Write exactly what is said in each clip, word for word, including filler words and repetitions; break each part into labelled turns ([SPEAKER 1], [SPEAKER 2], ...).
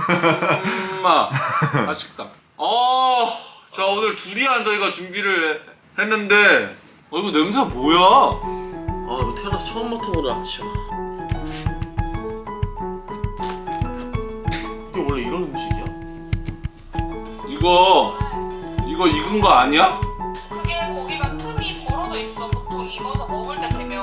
[SPEAKER 1] 엄마 맛있다. 어, 자 오늘 두리안 저희가 준비를 했는데 어 이거 냄새 뭐야?
[SPEAKER 2] 아 이거 태어나서 처음 맡아보다 진짜. 이게 원래 이런 음식이야?
[SPEAKER 1] 이거 이거 익은 거 아니야?
[SPEAKER 3] 그게 고기가 틈이 벌어져 있어. 보통 익어서 먹을 때 되면.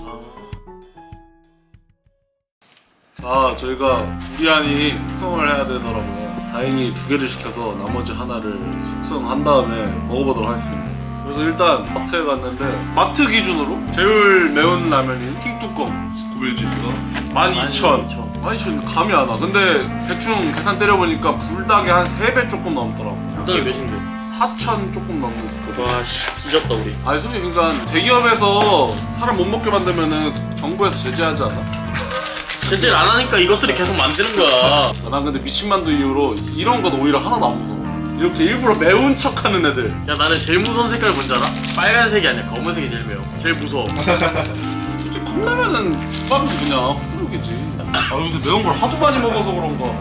[SPEAKER 1] 자 저희가 두리안이 숙성을 해야 되더라고요. 다행히 두 개를 시켜서 나머지 하나를 숙성한 다음에 먹어보도록 하겠습니다. 그래서 일단 마트에 갔는데 마트 기준으로 제일 매운 라면인 킹뚜껑
[SPEAKER 4] 구별 지수가
[SPEAKER 1] 만 이천 만 이천 감이 안 와. 근데 대충 계산 때려보니까 불닭이 한 세 배 조금 넘더라고.
[SPEAKER 2] 불닭이 몇인데?
[SPEAKER 1] 사천 조금 넘는 스포.
[SPEAKER 2] 와씨 뒤졌다 우리.
[SPEAKER 1] 아니 솔직히 그러니까 대기업에서 사람 못 먹게 만들면은 정부에서 제재하지 않아?
[SPEAKER 2] 제재를 안 하니까 이것들이 계속 만드는 거야.
[SPEAKER 1] 아, 난 근데 미친만두 이후로 이런 건 오히려 하나도 안 무서워. 이렇게 일부러 매운 척하는 애들.
[SPEAKER 2] 야 나는 제일 무서운 색깔 뭔지 알아? 빨간색이 아니야 검은색이 제일 매워. 제일 무서워.
[SPEAKER 1] 솔직히 컵라면은 국밥은 그냥 후루룩이지. 아 요새 매운 걸 하도 많이 먹어서 그런가.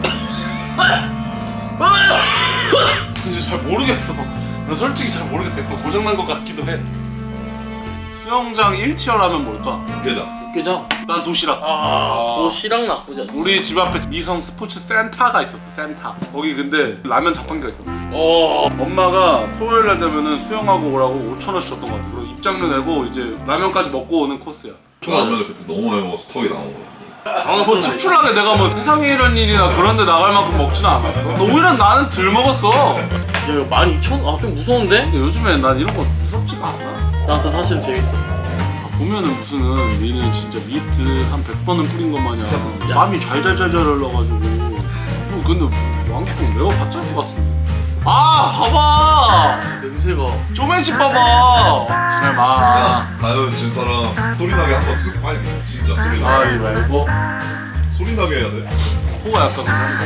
[SPEAKER 1] 근데 잘 모르겠어. 나 솔직히 잘 모르겠어. 약간 고장난 것 같기도 해. 수영장 일 티어라면 뭘까?
[SPEAKER 4] 육개장.
[SPEAKER 2] 육개장?
[SPEAKER 1] 난 도시락.
[SPEAKER 2] 아 도시락 나쁘지 않아.
[SPEAKER 1] 우리 집 앞에 미성 스포츠 센터가 있었어. 센터. 거기 근데 라면 자판기가 있었어.
[SPEAKER 2] 어.
[SPEAKER 1] 엄마가 토요일 날 되면은 수영하고 오라고 오천 원씩 줬던 것 같아. 그리고 입장료 내고 이제 라면까지 먹고 오는 코스야.
[SPEAKER 4] 라면을 그때 너무 많이 먹어서 턱이 나온 거야.
[SPEAKER 1] 뭐
[SPEAKER 2] 당황스럽네.
[SPEAKER 1] 특출나게 내가 뭐 세상에 이런 일이나 그런데 나갈 만큼 먹지는 않았어. 오히려 나는 덜 먹었어.
[SPEAKER 2] 야 이거 만 이천? 아 좀 무서운데?
[SPEAKER 1] 근데 요즘엔 난 이런 거 무섭지가 않아.
[SPEAKER 2] 나도 사실은 재밌어.
[SPEAKER 1] 보면은 무슨 니는 진짜 미스트 한 백 번은 뿌린 것 마냥 땀이 잘잘잘잘 흘러가지고. 뭐 근데 왕뚜껑 내가 봤지 않을 것 같은데. 아 봐봐.
[SPEAKER 2] 냄새가.
[SPEAKER 1] 쪼매집 봐봐. 정말 마.
[SPEAKER 4] 다이어트 진 사람 소리 나게 한번 쓱 빨리. 진짜 소리 나게.
[SPEAKER 1] 아이 말고
[SPEAKER 4] 소리 나게 해야 돼.
[SPEAKER 1] 코가 약간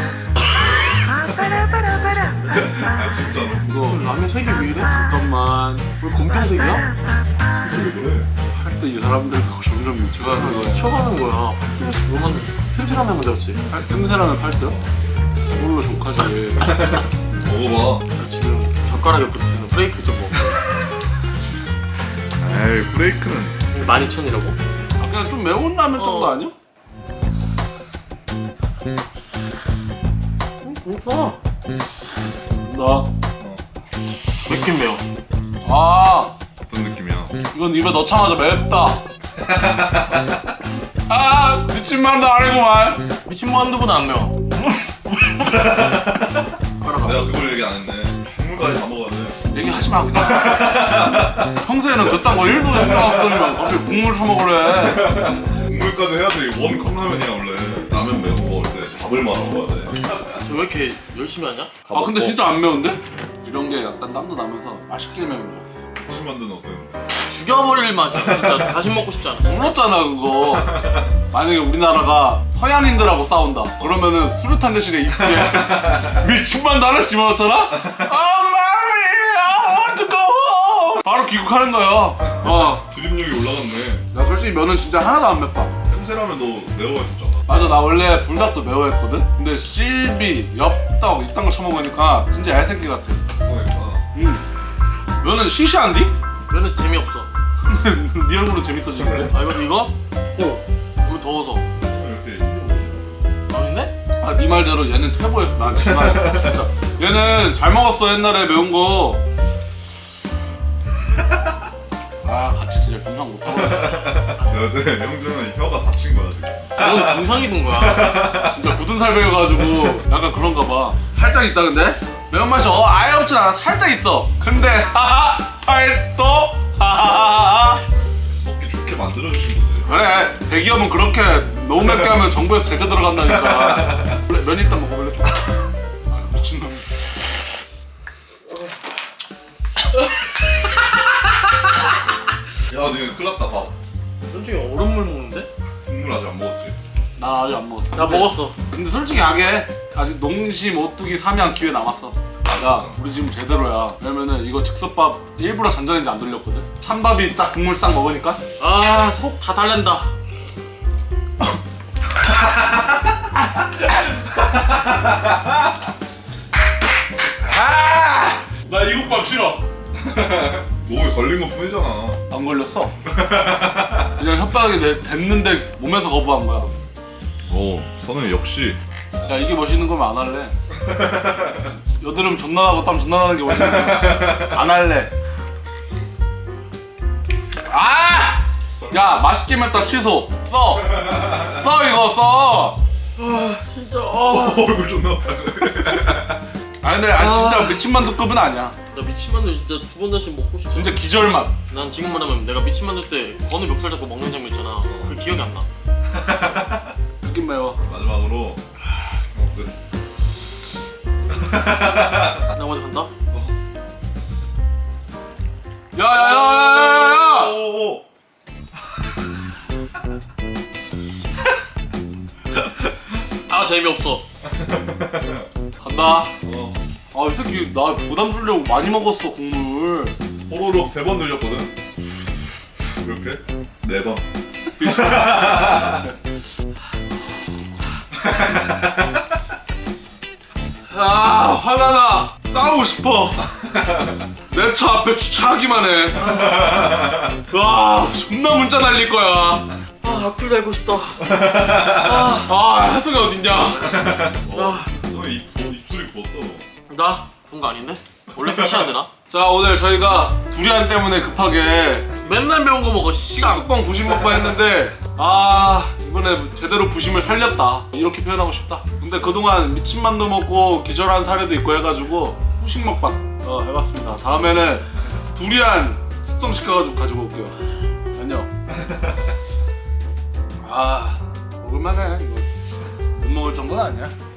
[SPEAKER 1] 그런가.
[SPEAKER 4] 아 진짜로.
[SPEAKER 1] 이거
[SPEAKER 2] 라면 색이 왜 이래?
[SPEAKER 1] 잠깐만.
[SPEAKER 2] 왜 검정색이야?
[SPEAKER 4] 왜 그래?
[SPEAKER 1] 할 때 이 사람들도 점점 미쳐가는 거야.
[SPEAKER 2] 미쳐가는 거야. 뭐 만들? 틈새라면 만들었지.
[SPEAKER 1] 팔 틈새라면 팔 듯? 그걸로 족하지.
[SPEAKER 4] 먹어봐.
[SPEAKER 2] 나 지금 젓가락에 붙이는 프레이크 좀 먹어.
[SPEAKER 4] 에이 브레이크는.
[SPEAKER 2] 만 이천이라고?
[SPEAKER 1] 아 그냥 좀 매운 라면 정도
[SPEAKER 2] 어.
[SPEAKER 1] 아니야?
[SPEAKER 2] 그렇구나.
[SPEAKER 1] 나.
[SPEAKER 2] 맵긴 매워.
[SPEAKER 1] 아
[SPEAKER 4] 어떤 느낌이야?
[SPEAKER 1] 이건 입에 넣자마자 맵다. 아 미친 만두 아니구만.
[SPEAKER 2] 미친 만두보다 안 매워.
[SPEAKER 4] 내가 그걸 얘기 안 했네. 국물까지 다 먹어야 돼.
[SPEAKER 1] 얘기하지 마 그냥. 평소에는 그딴 거 일도 신경 안 쓰더니만 갑자기 국물 처먹으래.
[SPEAKER 4] 국물까지 해야지. 원 컵라면이야 원래. 라면 매운 거 먹을 때 밥을 말아 먹어야 돼.
[SPEAKER 2] 저 왜 이렇게 열심히 하냐?
[SPEAKER 1] 아 근데 진짜 안 매운데? 이런 게 약간 땀도 나면서 맛있게 매운 거야.
[SPEAKER 4] 아침 만두는 어땠는데?
[SPEAKER 2] 죽여버릴 맛이야. 진짜 다시 먹고 싶지 않아.
[SPEAKER 1] 불렀잖아 그거. 만약에 우리나라가 서양인들하고 싸운다 그러면은 수류탄 대신에 입술에 미친만두 하나씩 집어넣었잖아? Oh mommy, I want to go home. 바로 귀국하는 거야. 어.
[SPEAKER 4] 드립력이 올라갔네.
[SPEAKER 1] 나 솔직히 면은 진짜 하나도 안 맵다.
[SPEAKER 4] 햄새라면 너 매워했었잖아.
[SPEAKER 1] 맞아 나 원래 불닭도 매워했거든? 근데 실비, 엽떡 이딴 거 처먹으니까 진짜 얄새끼 같아.
[SPEAKER 4] 그러니까.
[SPEAKER 1] 응. 면은 시시한디?
[SPEAKER 2] 면은 재미없어.
[SPEAKER 1] 네 얼굴은 재밌어지는데?
[SPEAKER 2] 아 이거 이거? 오. 이거 더워서.
[SPEAKER 4] 이렇게
[SPEAKER 2] 아닌데?
[SPEAKER 1] 아, 네 말대로 얘는 퇴보했어. 난 정말 진짜. 얘는 잘 먹었어 옛날에 매운 거. 아 같이 진짜 건강 못하고.
[SPEAKER 4] 내가 그때 형준은 혀가 다친 거야 지금.
[SPEAKER 2] 넌 중상 입은 거야.
[SPEAKER 1] 진짜 굳은 살 배여가지고 약간 그런가 봐. 살짝 있다 근데? 매운맛이 어, 아예 없진 않아. 살짝 있어. 근데 하하 팔도 하하하하.
[SPEAKER 4] 먹기 좋게 만들어주신 거지.
[SPEAKER 1] 그래 대기업은 그렇게 너무 맵게 하면 정부에서 제재 들어간다니까. 원래 면 일단 먹어볼래? 아 미친놈.
[SPEAKER 4] 야, 너 이거 큰일 났다, 밥.
[SPEAKER 2] 솔직히 얼음물 먹는데?
[SPEAKER 4] 국물 아직 안 먹었지?
[SPEAKER 1] 나 아직 안 먹었어.
[SPEAKER 2] 나
[SPEAKER 1] 근데-
[SPEAKER 2] 먹었어.
[SPEAKER 1] 근데 솔직히 약해. 아직 농심, 오뚜기, 삼양 기회 남았어. 야, 우리 지금 제대로야. 왜냐면은 이거 즉석밥 일부러 잔잔한지 안 돌렸거든. 찬밥이 딱 국물 싹 먹으니까.
[SPEAKER 2] 아 속 다 달랜다.
[SPEAKER 1] 싫어.
[SPEAKER 4] 목에 걸린 것 뿐이잖아.
[SPEAKER 1] 안 걸렸어. 그냥 혓바닥에 내- 댔는데 몸에서 거부한 거야.
[SPEAKER 4] 오, 선우 역시.
[SPEAKER 1] 야 이게 멋있는 거면 안 할래. 여드름 존나 나고 땀 존나 나는 게 멋있는 거야. 안 할래. 아! 야 맛있게 맵다 취소. 써. 써 이거 써.
[SPEAKER 2] 아 진짜 아.
[SPEAKER 4] 얼굴 존나 아파.
[SPEAKER 1] 아니 근데 아니, 진짜 미친 만두급은 아니야.
[SPEAKER 2] 나 미친만두 진짜 두 번 다시 먹고 싶어.
[SPEAKER 1] 진짜 기절 맛.
[SPEAKER 2] 난 지금 말하면 내가 미친만두 때 건우 멱살 잡고 먹는 장면 있잖아. 그 기억이 안 나.
[SPEAKER 1] 느낌 매워.
[SPEAKER 4] 마지막으로. 어, 끝.
[SPEAKER 2] 나 먼저 간다.
[SPEAKER 1] 야야야야야야!
[SPEAKER 4] 오, 오.
[SPEAKER 2] 아 재미없어.
[SPEAKER 1] 간다.
[SPEAKER 4] 어.
[SPEAKER 1] 아 이 새끼 나 부담 주려고 많이 먹었어 국물.
[SPEAKER 4] 호로록 세 번 들렸거든. 이렇게 네 번.
[SPEAKER 1] 아 화나나. 싸우고 싶어. 내 차 앞에 주차하기만 해. 와 존나 문자 날릴 거야.
[SPEAKER 2] 아 악플 달고 싶다.
[SPEAKER 1] 아 하수가 어딨냐?
[SPEAKER 2] 아,
[SPEAKER 4] 선우 입 부- 입술이 부었다.
[SPEAKER 2] 나 본 거 아닌데? 원래 세치안 되나?
[SPEAKER 1] 자 오늘 저희가 두리안 때문에 급하게
[SPEAKER 2] 맨날 매운 거 먹어. 씨.
[SPEAKER 1] 쌍뚜껑 부심 먹방 했는데 아 이번에 제대로 부심을 살렸다 이렇게 표현하고 싶다. 근데 그동안 미친 만두 먹고 기절한 사례도 있고 해가지고 후식 먹방 어, 해봤습니다. 다음에는 두리안 숙성시켜가지고 가지고 올게요. 안녕. 아 먹을만해 이거. 못 먹을 정도는 아니야.